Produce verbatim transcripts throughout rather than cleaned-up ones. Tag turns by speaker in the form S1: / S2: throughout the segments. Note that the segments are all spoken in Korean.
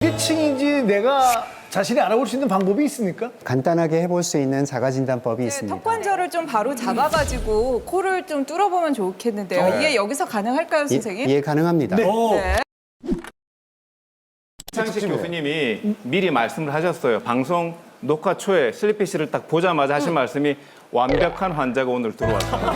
S1: 비대칭인지 내가 자신이 알아볼 수 있는 방법이 있습니까?
S2: 간단하게 해볼 수 있는 자가진단법이
S3: 네,
S2: 있습니다.
S3: 턱관절을 좀 바로 잡아가지고 코를 좀 뚫어보면 좋겠는데요.
S1: 네.
S3: 이게 여기서 가능할까요,
S2: 예,
S3: 선생님?
S2: 예, 가능합니다.
S1: 네.
S3: 네.
S4: 이창식 교수님이 미리 말씀을 하셨어요. 방송 녹화 초에 슬리피 씨를 딱 보자마자 하신 말씀이 완벽한 환자가 오늘 들어왔습니다.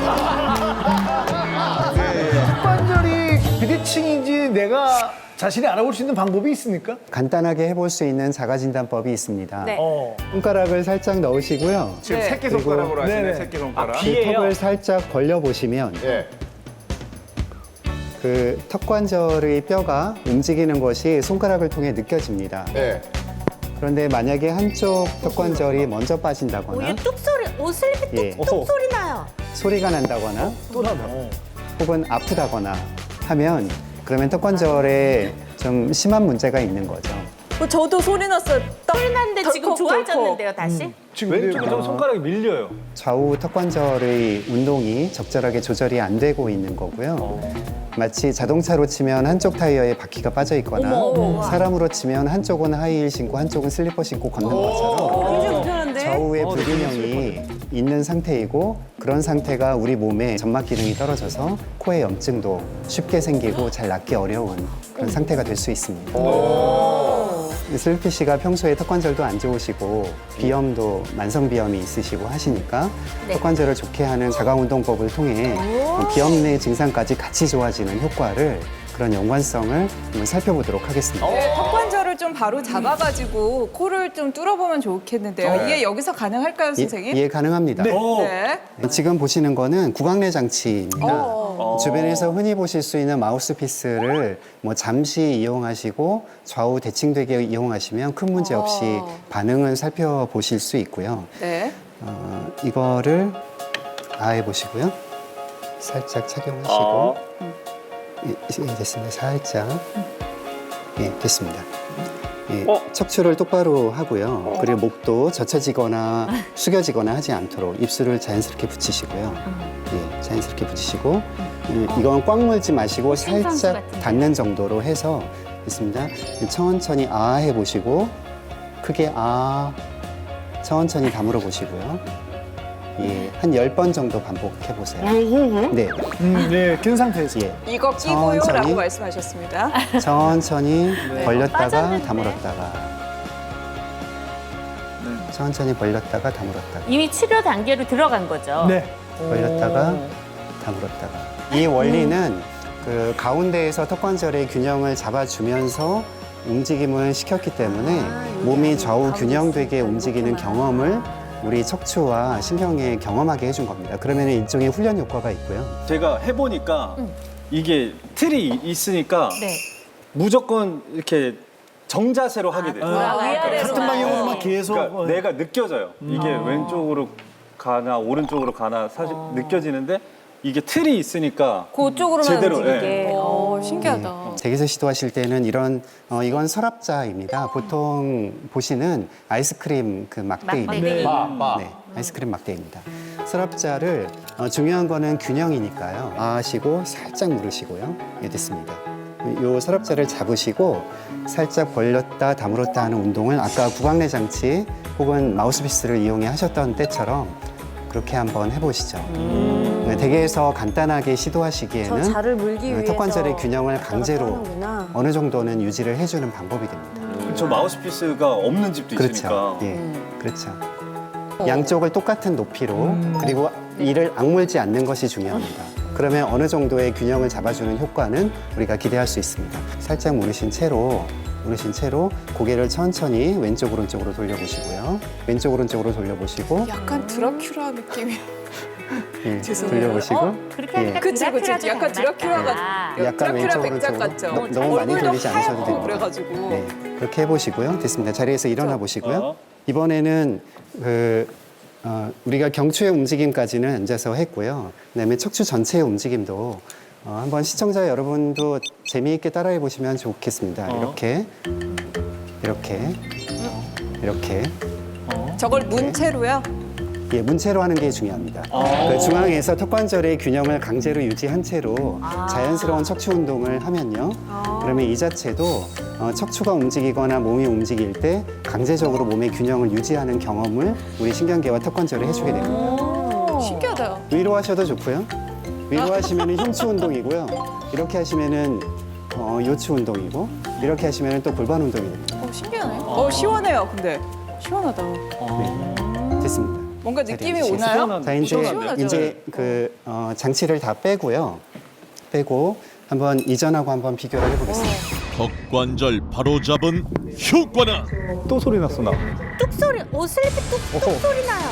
S1: 턱관절이 비대칭인지 내가 자신이 알아볼 수 있는 방법이 있습니까?
S2: 간단하게 해볼 수 있는 자가진단법이 있습니다.
S5: 네.
S1: 어.
S2: 손가락을 살짝 넣으시고요.
S4: 지금
S3: 네.
S4: 새끼손가락으로 하시네,
S1: 네네.
S4: 새끼손가락.
S2: 이 턱을 살짝 벌려보시면
S4: 예.
S2: 그 턱관절의 뼈가 움직이는 것이 손가락을 통해 느껴집니다.
S4: 예.
S2: 그런데 만약에 한쪽 턱관절이 먼저
S5: 오,
S2: 빠진다거나
S5: 이게 뚝 소리, 오 슬리피 뚝,
S2: 예.
S5: 뚝 소리 나요.
S2: 소리가 난다거나
S1: 또 나다.
S2: 혹은 아프다거나 하면 그러면 턱관절에 좀 심한 문제가 있는 거죠.
S3: 어, 저도 소리 났어요. 딱
S5: 소리 났는데 지금
S3: 덜컥,
S5: 좋아졌는데요, 다시?
S1: 지금 왼쪽에 좀 손가락이 밀려요.
S2: 좌우 턱관절의 운동이 적절하게 조절이 안 되고 있는 거고요. 마치 자동차로 치면 한쪽 타이어에 바퀴가 빠져 있거나
S5: 어머.
S2: 사람으로 치면 한쪽은 하이힐 신고 한쪽은 슬리퍼 신고 걷는 것처럼
S5: 굉장히 불편한데?
S2: 좌우의 불균형이 있는 상태이고 그런 상태가 우리 몸의 점막 기능이 떨어져서 코에 염증도 쉽게 생기고 잘 낫기 어려운 그런 상태가 될 수 있습니다. 슬리피 씨가 평소에 턱관절도 안 좋으시고 비염도 만성비염이 있으시고 하시니까
S5: 네.
S2: 턱관절을 좋게 하는 자가운동법을 통해 비염 내 증상까지 같이 좋아지는 효과를 그런 연관성을 한번 살펴보도록 하겠습니다.
S3: 네, 턱관절을 좀 바로 잡아가지고 코를 좀 뚫어보면 좋겠는데요. 이게 여기서 가능할까요, 선생님?
S2: 예, 예, 가능합니다.
S3: 네.
S2: 지금 보시는 거는 구강내 장치입니다.
S3: 어.
S2: 주변에서 흔히 보실 수 있는 마우스피스를 뭐 잠시 이용하시고 좌우 대칭되게 이용하시면 큰 문제 없이
S3: 어.
S2: 반응을 살펴보실 수 있고요.
S3: 네.
S2: 어, 이거를 아해 보시고요. 살짝 착용하시고
S4: 어.
S2: 예, 예, 됐습니다. 살짝 예, 됐습니다. 예,
S4: 어?
S2: 척추를 똑바로 하고요. 그리고 목도 젖혀지거나 숙여지거나 하지 않도록 입술을 자연스럽게 붙이시고요. 예, 자연스럽게 붙이시고 예, 이건 꽉 물지 마시고 살짝 닿는 정도로 해서 됐습니다. 천천히 아 해보시고 크게 아 천천히 다물어 보시고요. 예, 한 열 번 정도 반복해 보세요. 네,
S1: 음, 네, 긴 상태에서.
S2: 예,
S3: 이거 끼고요라고
S2: 천천히.
S3: 말씀하셨습니다.
S2: 천천히 벌렸다가
S5: 빠졌는데.
S2: 다물었다가 천천히 벌렸다가 다물었다가
S5: 이미 치료 단계로 들어간 거죠?
S1: 네.
S2: 벌렸다가 다물었다가 이 원리는 그 가운데에서 턱관절의 균형을 잡아주면서 움직임을 시켰기 때문에 몸이 좌우 균형되게 움직이는 경험을 우리 척추와 신경에 경험하게 해준 겁니다. 그러면 일종의 훈련 효과가 있고요.
S6: 제가 해보니까 이게 틀이 있으니까
S5: 네.
S6: 무조건 이렇게 정자세로 하게 돼요.
S5: 아, 위아래로
S1: 같은 방향으로만 계속.
S6: 그러니까
S1: 어,
S6: 내가 느껴져요. 이게 왼쪽으로 가나 오른쪽으로 가나 사실 느껴지는데 이게 틀이 있으니까
S5: 그쪽으로만
S6: 제대로,
S5: 움직이게.
S3: 어, 신기하다.
S2: 댁에서 시도하실 때는 이런 어, 이건 서랍자입니다. 보통 보시는 아이스크림 그 막대입니다.
S5: 막대기.
S2: 네, 아이스크림 막대입니다. 서랍자를 어, 중요한 거는 균형이니까요. 아 하시고 살짝 누르시고요. 예, 됐습니다. 이 서랍자를 잡으시고 살짝 벌렸다 다물었다 하는 운동을 아까 구강내 장치 혹은 마우스피스를 이용해 하셨던 때처럼 그렇게 한번 해보시죠. 네, 댁에서 간단하게 시도하시기에는
S7: 자를 물기
S2: 네,
S7: 위해서
S2: 턱관절의 균형을 강제로
S7: 하는구나.
S2: 어느 정도는 유지를 해주는 방법이 됩니다.
S6: 저 마우스피스가 없는 집도 있으니까
S2: 그렇죠. 예, 그렇죠. 양쪽을 똑같은 높이로 그리고 이를 악물지 않는 것이 중요합니다. 그러면 어느 정도의 균형을 잡아주는 효과는 우리가 기대할 수 있습니다. 살짝 무르신 채로 무르신 채로 고개를 천천히 왼쪽 오른쪽으로 돌려보시고요. 왼쪽 오른쪽으로 돌려보시고
S3: 약간 드라큘라 느낌이.
S2: 예,
S3: 죄송해요.
S2: 돌려보시고
S5: 어? 그렇게 하니까
S3: 그치, 그치.
S5: 드라큘라도
S3: 약간
S5: 닮았다.
S3: 드라큘라가
S2: 약간
S3: 드라큘라
S2: 왼쪽
S3: 백작
S2: 오른쪽으로
S3: 같죠?
S2: 너- 너무 많이
S3: 얼굴도
S2: 돌리지 않으셔도
S3: 하얗고
S2: 됩니다.
S3: 그래가지고.
S2: 네, 그렇게 해보시고요. 됐습니다. 자리에서 일어나 보시고요.
S6: 어.
S2: 이번에는 그 어, 우리가 경추의 움직임까지는 앉아서 했고요. 그다음에 척추 전체의 움직임도 어, 한번 시청자 여러분도 재미있게 따라해 보시면 좋겠습니다. 이렇게 이렇게 이렇게
S3: 저걸 문체로요?
S2: 예, 문체로 하는 게 중요합니다. 그 중앙에서 턱관절의 균형을 강제로 유지한 채로 자연스러운 척추 운동을 하면요. 그러면 이 자체도 어, 척추가 움직이거나 몸이 움직일 때 강제적으로 몸의 균형을 유지하는 경험을 우리 신경계와 턱관절이 해주게 됩니다.
S3: 오, 신기하다.
S2: 위로 하셔도 좋고요. 위로 하시면 흉추 운동이고요. 이렇게 하시면은 어, 요추 운동이고 이렇게 하시면 또 골반 운동이 됩니다.
S3: 어, 신기하네. 어, 시원해요. 근데 시원하다.
S2: 네, 됐습니다.
S3: 뭔가 느낌이
S2: 자리
S3: 오나요?
S6: 시원한-
S2: 자 이제
S3: 시원하죠.
S2: 이제 그 어, 장치를 다 빼고요. 빼고 한번 이전하고 한번 비교를 해보겠습니다.
S7: 턱관절 바로잡은 효과는
S6: 또 소리 났어 나.
S5: 뚝 소리, 오 슬리피 뚝뚝 소리 나요.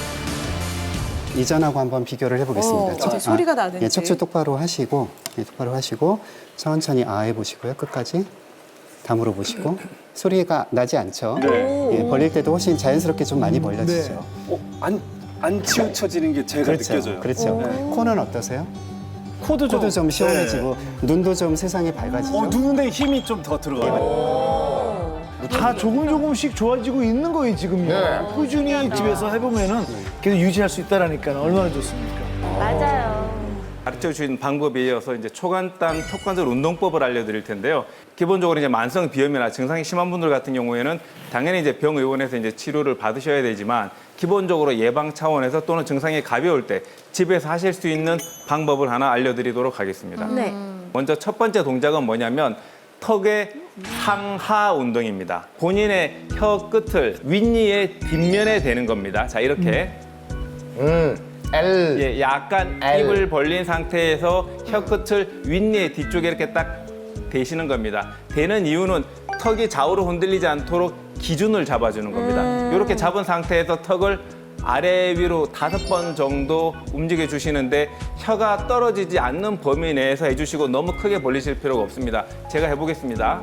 S2: 이전하고 한번 비교를 해보겠습니다.
S3: 어, 이제 소리가 나는지.
S2: 예, 척추 똑바로 하시고 예, 똑바로 하시고 천천히 아 해보시고요. 끝까지 다물어 보시고 소리가 나지 않죠?
S6: 네.
S2: 예, 벌릴 때도 훨씬 자연스럽게 좀 많이 벌려지죠.
S6: 어, 안, 안 치우쳐지는 게 제가
S2: 그렇죠.
S6: 느껴져요.
S2: 그렇죠. 코는 어떠세요?
S6: 코도 좀,
S2: 코도 좀 시원해지고 눈도 좀 세상에 밝아지죠.
S6: 어, 눈에 힘이 좀 더 들어가요.
S1: 다 조금 조금씩 좋아지고 있는 거예요 지금요. 꾸준히 집에서 해보면은 계속 유지할 수 있다라니까 얼마나 좋습니까?
S5: 맞아요.
S4: 가르쳐 주신 방법에 이어서 이제 초간단 턱관절 운동법을 알려드릴 텐데요. 기본적으로 이제 만성 비염이나 증상이 심한 분들 같은 경우에는 당연히 이제 병의원에서 이제 치료를 받으셔야 되지만 기본적으로 예방 차원에서 또는 증상이 가벼울 때 집에서 하실 수 있는 방법을 하나 알려드리도록 하겠습니다.
S5: 네.
S4: 먼저 첫 번째 동작은 뭐냐면 턱의 상하 운동입니다. 본인의 혀 끝을 윗니의 뒷면에 대는 겁니다. 자, 이렇게.
S1: 음, L.
S4: 예, 약간
S1: L.
S4: 입을 벌린 상태에서 혀 끝을 윗니의 뒤쪽에 이렇게 딱 대시는 겁니다. 대는 이유는 턱이 좌우로 흔들리지 않도록 기준을 잡아주는 겁니다. 이렇게 잡은 상태에서 턱을 아래 위로 다섯 번 정도 움직여 주시는데 혀가 떨어지지 않는 범위 내에서 해주시고 너무 크게 벌리실 필요가 없습니다. 제가 해보겠습니다.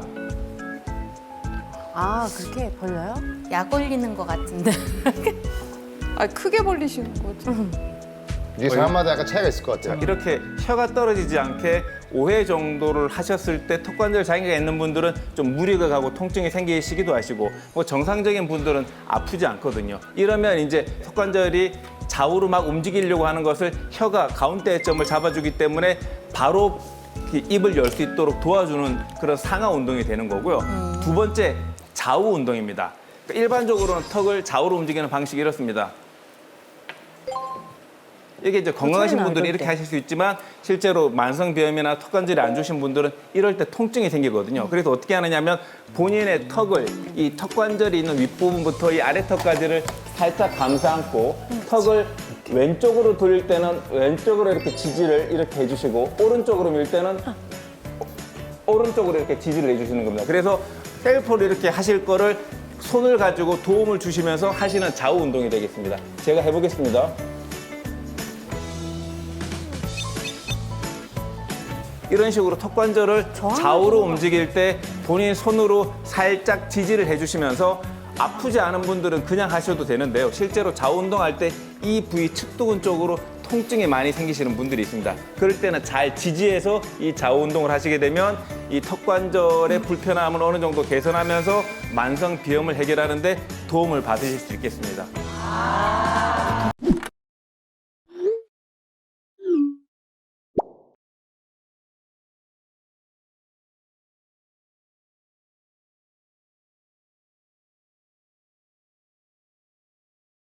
S5: 아 그렇게 벌려요? 약 올리는 것 같은데.
S3: 아, 크게 벌리시는 거죠.
S8: 이게 사람마다 약간 차이가 있을 것 같아요.
S4: 이렇게 혀가 떨어지지 않게 오 회 정도를 하셨을 때 턱관절 장애가 있는 분들은 좀 무리가 가고 통증이 생기시기도 하시고 뭐 정상적인 분들은 아프지 않거든요. 이러면 이제 턱관절이 좌우로 막 움직이려고 하는 것을 혀가 가운데 점을 잡아주기 때문에 바로 입을 열 수 있도록 도와주는 그런 상하 운동이 되는 거고요. 두 번째, 좌우 운동입니다. 그러니까 일반적으로는 턱을 좌우로 움직이는 방식이 이렇습니다. 이게 이제 건강하신
S5: 소리
S4: 분들은
S5: 나요,
S4: 이렇게
S5: 이럴 때.
S4: 하실 수 있지만 실제로 만성비염이나 턱관절이 안 좋으신 분들은 이럴 때 통증이 생기거든요. 그래서 어떻게 하느냐면 본인의 턱을 이 턱관절이 있는 윗부분부터 이 아래턱까지를 살짝 감싸 안고 턱을 왼쪽으로 돌릴 때는 왼쪽으로 이렇게 지지를 이렇게 해주시고 오른쪽으로 밀 때는 오른쪽으로 이렇게 지지를 해주시는 겁니다. 그래서 셀프로 이렇게 하실 거를 손을 가지고 도움을 주시면서 하시는 좌우 운동이 되겠습니다. 제가 해보겠습니다. 이런 식으로 턱관절을 좌우로 움직일 때 본인 손으로 살짝 지지를 해주시면서 아프지 않은 분들은 그냥 하셔도 되는데요. 실제로 좌우 운동할 때 이 부위 측두근 쪽으로 통증이 많이 생기시는 분들이 있습니다. 그럴 때는 잘 지지해서 이 좌우 운동을 하시게 되면 이 턱관절의 불편함을 어느 정도 개선하면서 만성 비염을 해결하는 데 도움을 받으실 수 있겠습니다.